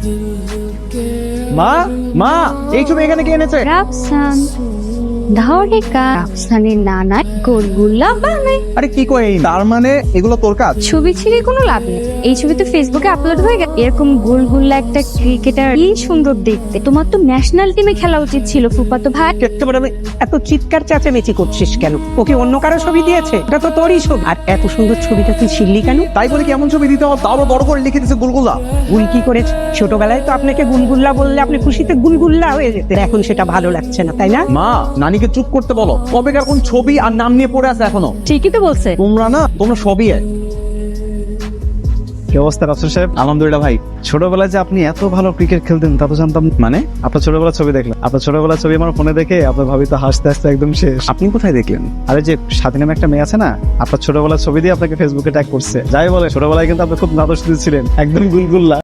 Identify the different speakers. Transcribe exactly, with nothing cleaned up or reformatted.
Speaker 1: মা মা এই ছবি এখানে কে এনেছে?
Speaker 2: রাফসান ধাওরিকা রাফসানের নানা গোলগুল্লা বানায়।
Speaker 1: আরে কি কই, তার মানে এগুলো তোর কাজ?
Speaker 2: ছবি ছিঁড়ে কোনো লাভ নেই, এই ছবি তো ফেসবুকে আপলোড হয়ে গেছে। এরকম গোলগুল্লা একটা ক্রিকেটার কি সুন্দর দেখতে। তোমার তো ন্যাশনাল টিমে খেলা উচিত ছিল ফুফাতো ভাই।
Speaker 3: আমি এত চিৎকার চেঁচামেচি করছিস কেন? ওকে অন্য কারো ছবি দিয়েছে? এটা তো তোরই ছবি। আর এত সুন্দর ছবিটা তুই ছিললি কেন?
Speaker 1: তাই বলে কেমন ছবি দিতে হবে? তাও বড় করে লিখে দিয়েছে গুলগুলা।
Speaker 3: ভুল কি করেছে? ছোটবেলায় তো আপনাকে গুলগুল্লা বললে আপনি খুশিতে গুলগুল্লা হয়ে যেতেন, এখন সেটা ভালো লাগছে না, তাই না?
Speaker 1: মা নানিকে চুপ করতে বলো, কবেকার কোন ছবি আর নাম নিয়ে পড়ে আছে এখনো।
Speaker 2: ঠিকই তো বলছে।
Speaker 1: তোমরা না তোমরা সবই এক।
Speaker 4: কি অবস্থা রাসেল সাহেব?
Speaker 1: আলহামদুলিল্লাহ ভাই।
Speaker 4: ছোটবেলায় যে আপনি এত ভালো ক্রিকেট খেলতেন তা তো জানতাম না।
Speaker 1: মানে
Speaker 4: আপনার ছোটবেলার ছবি দেখলাম, আপনার ছোটবেলার ছবি আমার ফোনে দেখে আপনার ভাবি তো হাসতে হাসতে একদম শেষ।
Speaker 1: আপনি কোথায় দেখলেন?
Speaker 4: আরে যে স্বাধীন নামে একটা মেয়ে আছে না, আপনার ছোটবেলার ছবি দিয়ে আপনাকে ফেসবুকে ট্যাগ করছে। যাই বলে ছোটবেলায় কিন্তু আপনি খুব নাদুস ছিলেন, একদম গুলগুল্লা।